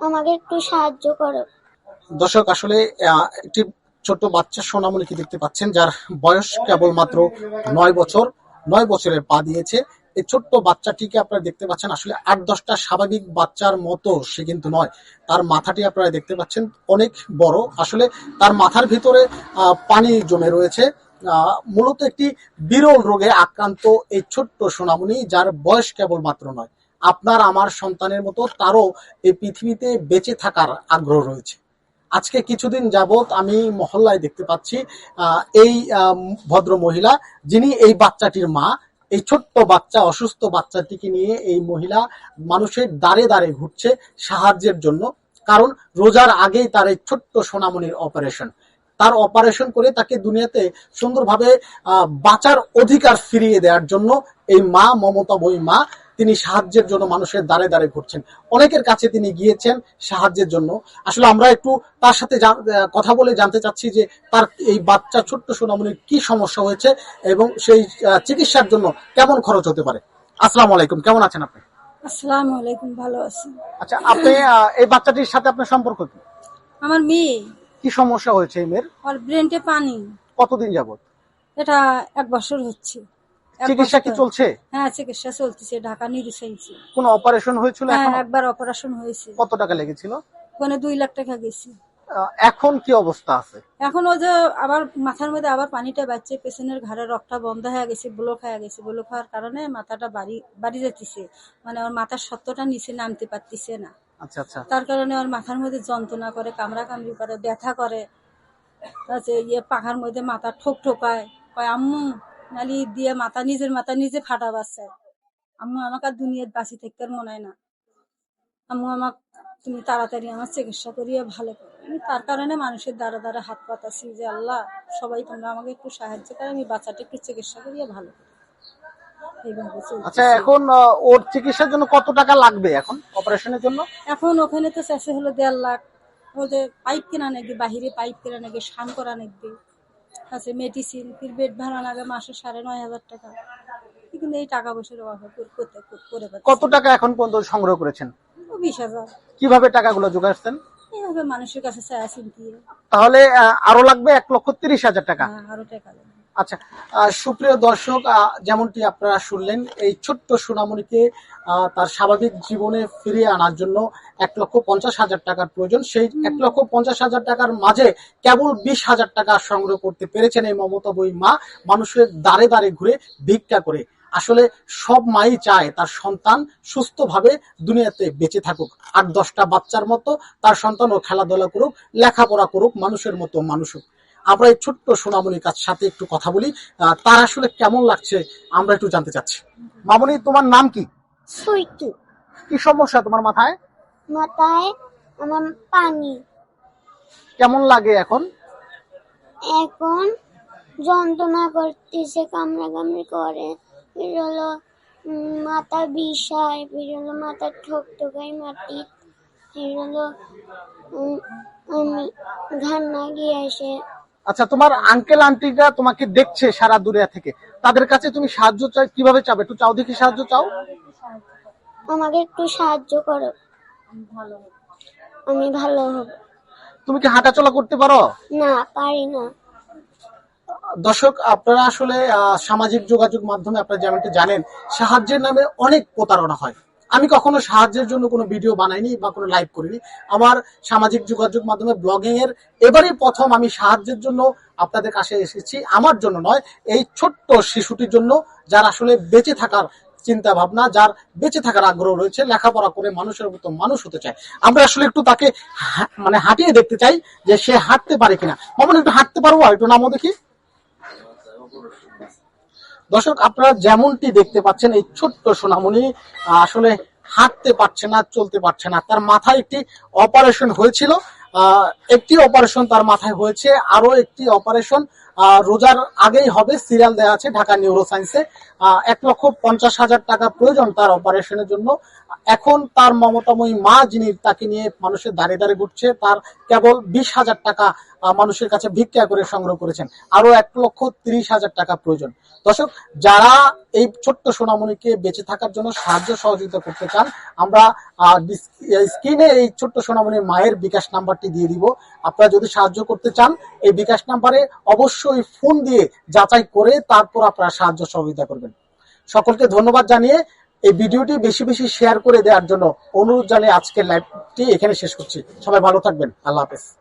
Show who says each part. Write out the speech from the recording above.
Speaker 1: আমাকে একটু সাহায্য করো।
Speaker 2: দর্শক আসলে একটি ছোট বাচ্চা সোনামণিকে দেখতে পাচ্ছেন, যার বয়স কেবলমাত্র 9 বছর। 9 বছরের পা দিয়েছে। এই ছোট্ট বাচ্চাটিকে আপনারা দেখতে পাচ্ছেন, আসলে 8-10টা স্বাভাবিক বাচ্চার মতো সে কিন্তু নয়। তার মাথাটি আপনারা দেখতে পাচ্ছেন অনেক বড়। আসলে তার মাথার ভিতরে পানি জমে রয়েছে। মূলত একটি বিরল রোগে আক্রান্ত এই ছোট্ট সোনামণি, যার বয়স কেবলমাত্র 9। আপনার আমার সন্তানের মতো তারও এই পৃথিবীতে বেঁচে থাকার আগ্রহ রয়েছে। আজকে কিছুদিন যাবত আমি মহল্লায় দেখতে পাচ্ছি এই ভদ্র মহিলা, যিনি এই বাচ্চাটির মা, এই ছোট্ট বাচ্চা অসুস্থ বাচ্চাটিকে নিয়ে এই মহিলা মানুষের দ্বারে দ্বারে ঘুরছে সাহায্যের জন্য। কারণ রোজার আগেই তার এই ছোট্ট সোনামণির অপারেশন। তার অপারেশন করে তাকে দুনিয়াতে সুন্দরভাবে বাঁচার অধিকার ফিরিয়ে দেওয়ার জন্য এই মা, মমতাময়ী মা, তিনি সাহায্যের জন্য মানুষের দ্বারে দ্বারে ঘুরছেন। অনেকের কাছে তিনি গিয়েছেন সাহায্যের জন্য। আসলে আমরা একটু তার সাথে কথা বলে জানতে চাচ্ছি যে তার এই বাচ্চা ছোট্ট সোনামণির কি সমস্যা হয়েছে এবং সেই চিকিৎসার জন্য কেমন খরচ হতে পারে। আসসালামু আলাইকুম, কেমন আছেন আপনি?
Speaker 3: আসসালামু আলাইকুম, ভালো আছি।
Speaker 2: আচ্ছা, আপনি এই বাচ্চাটির সাথে আপনার সম্পর্ক কি?
Speaker 3: আমার মেয়ে,
Speaker 2: কি সমস্যা হয়েছে এই মেয়ের?
Speaker 3: ওর ব্রেনটে পানি।
Speaker 2: কতদিন যাবত?
Speaker 3: এটা 1 বছর হচ্ছে।
Speaker 2: চিকিৎসা কি চলছে?
Speaker 3: হ্যাঁ, চিকিৎসা চলতেছে, ঢাকা নিউরোসাইন্সে।
Speaker 2: কোন অপারেশন হয়েছিল?
Speaker 3: হ্যাঁ, একবার অপারেশন হয়েছে।
Speaker 2: কত টাকা লেগেছিল?
Speaker 3: ওখানে 2 লাখ টাকা গেছে।
Speaker 2: এখন কি অবস্থা আছে?
Speaker 3: এখন ও যে আবার মাথার মধ্যে আবার পানিটা বাড়ছে, পেছনের ঘাড়ের রক্তটা বন্ধ হয়ে গেছে, ব্লক হয়ে গেছে। ব্লক হওয়ার কারণে মাথাটা বাড়ি যাচ্ছে, মানে ওর মাথার সত্যটা নিচে নামতে পারতেছে না।
Speaker 2: আচ্ছা আচ্ছা।
Speaker 3: তার কারণে ওর মাথার মধ্যে যন্ত্রণা করে, কামড়াকামড়ি করে, ব্যথা করে। পাখার মধ্যে মাথা ঠোকায়, কয় আম্মু নালি দিয়ে নিজের মাথা নিজে ফাটা বাচ্চা। আম্মু আমাকে আর দুনিয়ার বাঁচি থাকতে মনে হয় না। আম্মু তুমি তাড়াতাড়ি আমার চিকিৎসা করিয়ে ভালো করো। আমি তার কারণে মানুষের দ্বারা দ্বারা হাত পাতাছি যে আল্লাহ, সবাই তোমরা আমাকে একটু সাহায্য করে, আমি বাচ্চাটা একটু চিকিৎসা করিয়ে ভালো করি।
Speaker 2: আচ্ছা, এখন ওর চিকিৎসার জন্য কত টাকা লাগবে এখন অপারেশনের জন্য?
Speaker 3: এখন ওখানে তো চাষে হলো 1.5 লাখ। ওদের পাইপ কেনা নাকি, বাহিরে পাইপ কেনা নাকি, স্নান করা নাকি, আছে মেডিসিন, ফির বেড ভাড়া লাগে মাসে 9,500 টাকা। কিন্তু এই টাকা পয়সার অভাবে করে
Speaker 2: কত টাকা এখন পর্যন্ত সংগ্রহ করেছেন?
Speaker 3: 20,000।
Speaker 2: কিভাবে টাকাগুলো জোগাড়ছেন?
Speaker 3: এইভাবে মানুষের কাছে চায়া চিন্তিয়ে।
Speaker 2: তাহলে আরো লাগবে 1,30,000 টাকা।
Speaker 3: আরো টাকা লাগবে।
Speaker 2: আচ্ছা, সুপ্রিয় দর্শক, যেমনটি আপনারা শুনলেন, এই ছোট্ট সোনামণিকে তার স্বাভাবিক জীবনে ফিরিয়ে আনার জন্য 1,50,000 টাকার প্রয়োজন। সেই 1,50,000 টাকার মাঝে কেবল 20,000 টাকা সংগ্রহ করতে পেরেছেন এই মমতাময়ী মা, মানুষের দ্বারে দ্বারে ঘুরে ভিক্ষা করে। আসলে সব মাই চায় তার সন্তান সুস্থভাবে দুনিয়াতে বেঁচে থাকুক, 8-10টা বাচ্চার মতো তার সন্তানও খেলাধুলা করুক, লেখাপড়া করুক, মানুষের মতো মানুষ হোক। আমরা এই ছোট্ট সোনামণির কাছ সাথে একটু কথা বলি, তার আসলে কেমন লাগছে আমরা একটু জানতে চাচ্ছি। মামনি, তোমার নাম কি?
Speaker 1: সুইটি।
Speaker 2: কি সমস্যা তোমার মাথায়?
Speaker 1: মাথায় আমার পানি।
Speaker 2: কেমন লাগে এখন?
Speaker 1: এখন যন্ত্রণা করতেছে, কামড়াকামড়ি করে, ফির হলো মাথা বিষায়, ফির হলো মাথা ঠোকাই মাটি, ফির হলো আমি ঘান্না গিয়ে আসে।
Speaker 2: আচ্ছা, তোমার আঙ্কেল আন্টিরা তোমাকে দেখছে সারা দুনিয়া থেকে, তাদের কাছে তুমি সাহায্য চাই, কিভাবে চাবে? একটু চাও দেখি, সাহায্য চাও।
Speaker 1: আমাকে একটু সাহায্য করো, আমি ভালো হব।
Speaker 2: তুমি কি হাঁটাচলা করতে পারো?
Speaker 1: না, পারি না।
Speaker 2: দর্শক, আপনারা আসলে সামাজিক যোগাযোগ মাধ্যমে আপনারা যেমনটা জানেন, সাহায্যের নামে অনেক প্রতারণা হয়। আমি কখনো সাহায্যের জন্য কোনো ভিডিও বানাইনি বা কোনো লাইভ করিনি। আমার সামাজিক যোগাযোগ মাধ্যমে ব্লগিং এর এবারই প্রথম আমি সাহায্যের জন্য আপনাদের কাছে এসেছি। আমার জন্য নয়, এই ছোট্ট শিশুটির জন্য, যার আসলে বেঁচে থাকার চিন্তা ভাবনা, যার বেঁচে থাকার আগ্রহ রয়েছে, লেখাপড়া করে মানুষের মতো মানুষ হতে চায়। আমরা আসলে একটু তাকে মানে হাঁটিয়ে দেখতে চাই যে সে হাঁটতে পারে কিনা। মামুন, একটু হাঁটতে পারবো? একটু নামও দেখি। দর্শক, আপনারা যেমনটি দেখতে পাচ্ছেন, এই ছোট্ট সোনামণি আসলে হাঁটতে পারছে না, চলতে পারছে না। তার মাথায় একটি অপারেশন হয়েছিল, একটি অপারেশন তার মাথায় হয়েছে, আরো একটি অপারেশন রোজার আগেই হবে, সিরিয়াল দেওয়া আছে ঢাকা নিউরো সায়েন্সে। 1,50,000 টাকা প্রয়োজন তার অপারেশনের জন্য। এখন তার মমতাময়ী মা যিনি তাকে নিয়ে মানুষের দাঁড়ে দাঁড়ে ঘুরছে, তার কেবল 20,000 টাকা মানুষের কাছে ভিক্ষা করে সংগ্রহ করেছেন। আরো 1,30,000 টাকা প্রয়োজন। দর্শক, যারা এই ছোট্ট সোনামণিকে বেঁচে থাকার জন্য সাহায্য সহযোগিতা করতে চান, আমরা স্ক্রিনে এই ছোট্ট সোনামণির মায়ের বিকাশ নাম্বারটি দিয়ে দিব। আপনারা যদি সাহায্য করতে চান, এই বিকাশ নাম্বারে অবশ্যই ফোন দিয়ে যাচাই করে তারপর আপনারা সাহায্য সহযোগিতা করবেন। সকলকে ধন্যবাদ জানিয়ে এই ভিডিওটি বেশি বেশি শেয়ার করে দেওয়ার জন্য অনুরোধ জানিয়ে আজকের লাইভটি এখানে শেষ করছি। সবাই ভালো থাকবেন। আল্লাহ হাফেজ।